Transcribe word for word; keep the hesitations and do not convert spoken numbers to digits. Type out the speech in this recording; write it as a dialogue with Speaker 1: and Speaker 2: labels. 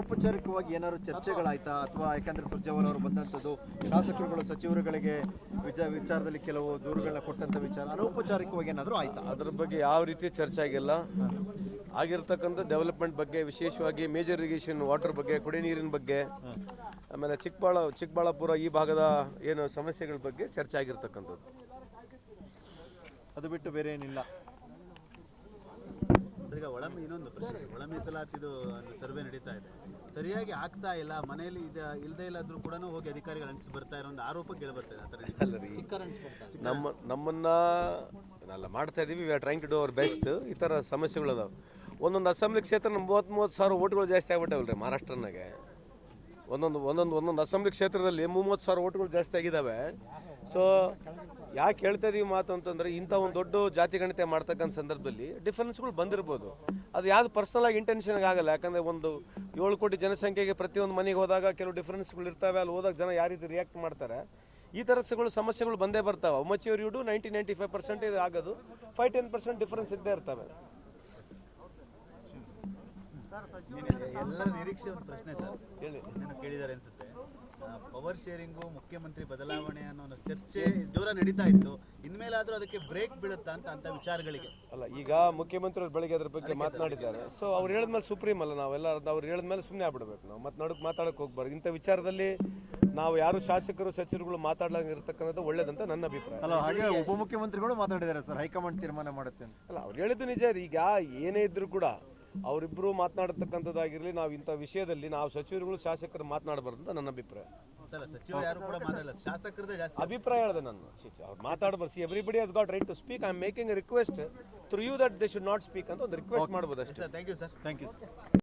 Speaker 1: ಅನೌಪಚಾರಿಕವಾಗಿ ಏನಾದ್ರು ಚರ್ಚೆಗಳಾಯ್ತಾ ಅಥವಾ ಯಾಕಂದ್ರೆ ಸುರ್ಜೇವಾಲ ಅವರು ಬಂದಂಥದ್ದು ಶಾಸಕರುಗಳು ಸಚಿವರುಗಳಿಗೆ ವಿಚಾರ ವಿಚಾರದಲ್ಲಿ ಕೆಲವು ದೂರುಗಳನ್ನ ಕೊಟ್ಟಂತ ವಿಚಾರ ಅನೌಪಚಾರಿಕವಾಗಿ ಏನಾದರೂ ಆಯ್ತಾ?
Speaker 2: ಅದ್ರ ಬಗ್ಗೆ ಯಾವ ರೀತಿ ಚರ್ಚೆ ಆಗಿಲ್ಲ. ಆಗಿರ್ತಕ್ಕಂಥ ಡೆವಲಪ್ಮೆಂಟ್ ಬಗ್ಗೆ, ವಿಶೇಷವಾಗಿ ಮೇಜರ್ ಇರಿಗೇಷನ್ ವಾಟರ್ ಬಗ್ಗೆ, ಕುಡಿಯ ನೀರಿನ ಬಗ್ಗೆ, ಆಮೇಲೆ ಚಿಕ್ಕಬಾಳ ಚಿಕ್ಕಬಳ್ಳಾಪುರ ಈ ಭಾಗದ ಏನು ಸಮಸ್ಯೆಗಳ ಬಗ್ಗೆ ಚರ್ಚೆ ಆಗಿರ್ತಕ್ಕಂಥದ್ದು.
Speaker 1: ಅದು ಬಿಟ್ಟು ಬೇರೆ ಏನಿಲ್ಲ.
Speaker 3: ಈಗ ಒಳ ಇನ್ನೊಂದು ಪ್ರಶ್ನೆ, ಒಳ ಮೀಸಲಾತಿದು ಸರ್ವೆ ನಡೀತಾ ಇದೆ, ಸರಿಯಾಗಿ ಆಗ್ತಾ ಇಲ್ಲ, ಮನೆಯಲ್ಲಿ ಇದು ಇಲ್ಲದೆ ಇಲ್ಲಾದ್ರೂ ಕೂಡ ಹೋಗಿ ಅಧಿಕಾರಿಗಳು ಅನಿಸಿ ಬರ್ತಾ ಇರೋ ಒಂದು ಆರೋಪ ಕೇಳಿ ಬರ್ತಾ ಇದೆ.
Speaker 2: ನಮ್ಮ ನಮ್ಮನ್ನ ನಾವೆಲ್ಲ ಮಾಡ್ತಾ ಇದೀವಿ, we are trying to do our best. ಈ ಥರ ಸಮಸ್ಯೆಗಳು ಅದಾವೆ. ಒಂದೊಂದು ಅಸೆಂಬ್ಲಿ ಕ್ಷೇತ್ರ ಮೂವತ್ತು ಮೂವತ್ತು ಸಾವಿರ ಓಟ್ಗಳು ಜಾಸ್ತಿ ಆಗ್ಬಿಟ್ಟವಲ್ರಿ ಮಹಾರಾಷ್ಟ್ರನಾಗೆ. ಒಂದೊಂದು ಒಂದೊಂದು ಒಂದೊಂದು ಅಸೆಂಬ್ಲಿ ಕ್ಷೇತ್ರದಲ್ಲಿ ಮೂವತ್ತು ಸಾವಿರ ಓಟ್ಗಳು ಜಾಸ್ತಿ ಆಗಿದ್ದಾವೆ. ಸೊ ಯಾಕೆ ಹೇಳ್ತಾ ಇದೀವಿ ಮಾತು ಅಂತಂದರೆ, ಇಂಥ ಒಂದು ದೊಡ್ಡ ಜಾತಿ ಗಣತೆ ಮಾಡ್ತಕ್ಕಂಥ ಸಂದರ್ಭದಲ್ಲಿ ಡಿಫರೆನ್ಸ್ಗಳು ಬಂದಿರ್ಬೋದು. ಅದು ಯಾವುದು ಪರ್ಸನಲ್ ಆಗಿ ಇಂಟೆನ್ಷನ್ಗೆ ಆಗಲ್ಲ. ಯಾಕಂದರೆ ಒಂದು ಏಳು ಕೋಟಿ ಜನಸಂಖ್ಯೆಗೆ ಪ್ರತಿಯೊಂದು ಮನೆಗೆ ಹೋದಾಗ ಕೆಲವು ಡಿಫರೆನ್ಸ್ಗಳು ಇರ್ತವೆ. ಅಲ್ಲಿ ಹೋದಾಗ ಜನ ಯಾವ ರೀತಿ ರಿಯಾಕ್ಟ್ ಮಾಡ್ತಾರೆ, ಈ ಥರಗಳು ಸಮಸ್ಯೆಗಳು ಬಂದೇ ಬರ್ತಾವೆ. ಮಚ್ಯೂರ್ ಯುಡು ನೈಂಟಿ ನೈಂಟಿ ಫೈವ್ ಪರ್ಸೆಂಟೇಜ್ ಆಗೋದು, ಫೈವ್ ಟೆನ್ ಪರ್ಸೆಂಟ್ ಡಿಫರೆನ್ಸ್ ಇದ್ದೇ ಇರ್ತವೆ.
Speaker 3: ಎಲ್ಲರ ನಿರೀಕ್ಷೆ ಒಂದು ಪ್ರಶ್ನೆ ಸರ್, ಹೇಳಿ ಏನು ಕೇಳಿದ್ದಾರೆ ಅನ್ಸುತ್ತೆ. ಪವರ್ ಶೇರಿಂಗು, ಮುಖ್ಯಮಂತ್ರಿ ಬದಲಾವಣೆ ಅನ್ನೋ ಒಂದು ಚರ್ಚೆ ಜೋರ ನಡೀತಾ ಇತ್ತು. ಇನ್ಮೇಲಾದ್ರೂ ಅದಕ್ಕೆ ಬ್ರೇಕ್ ಬೀಳುತ್ತಾ ಅಂತ ಅಂತ ವಿಚಾರಗಳಿಗೆ
Speaker 2: ಅಲ್ಲ. ಈಗ ಮುಖ್ಯಮಂತ್ರಿ ಬೆಳಗ್ಗೆ ಅದ್ರ ಬಗ್ಗೆ ಮಾತನಾಡಿದ್ದಾರೆ. ಸೊ ಅವ್ರು ಹೇಳಿದ್ಮೇಲೆ ಸುಪ್ರೀಂ ಅಲ್ಲ, ನಾವೆಲ್ಲ ಅವ್ರು ಹೇಳಿದ್ಮೇಲೆ ಸುಮ್ಮನೆ ಆಗ್ಬಿಡ್ಬೇಕು. ನಾವು ಮತ್ತೆ ನಡುಕ್ ಮಾತಾಡಕ್ಕೆ ಹೋಗ್ಬಾರ್ದು. ಇಂಥ ವಿಚಾರದಲ್ಲಿ ನಾವು ಯಾರು ಶಾಸಕರು ಸಚಿವರುಗಳು ಮಾತಾಡ್ಲಂಗೆ ಇರ್ತಕ್ಕಂಥದ್ದು ಒಳ್ಳೇದಂತ ನನ್ನ ಅಭಿಪ್ರಾಯ.
Speaker 1: ಅಲ್ಲ, ಹಾಗೆ ಉಪಮುಖ್ಯಮಂತ್ರಿಗಳು ಮಾತಾಡಿದ್ದಾರೆ ಸರ್, ಹೈಕಮಾಂಡ್ ತೀರ್ಮಾನ ಮಾಡುತ್ತೆ ಅಂತ.
Speaker 2: ಅಲ್ಲ, ಅವ್ರು ಹೇಳಿದ್ದು ನಿಜ. ಈಗ ಏನೇ ಇದ್ರು ಕೂಡ ಅವರಿಬ್ಬರು ಮಾತನಾಡತಕ್ಕಂಥದ್ದಾಗಿರಲಿ, ನಾವು ಇಂಥ ವಿಷಯದಲ್ಲಿ ನಾವು ಸಚಿವರುಗಳು ಶಾಸಕರು ಮಾತನಾಡಬಾರ್ದು ಅಂತ ನನ್ನ ಅಭಿಪ್ರಾಯ. ಅಭಿಪ್ರಾಯ ಹೇಳಿದೆ ನಾನು. ಅವ್ರು ಮಾತಾಡಬಾರ್ದು. See everybody has got right to speak. I am making a request through you that they should not speak ಅಂತ ಒಂದು ರಿಕ್ವೆಸ್ಟ್ ಮಾಡ್ಬೋದು ಅಷ್ಟೇ.
Speaker 3: Thank you sir.
Speaker 1: Thank you.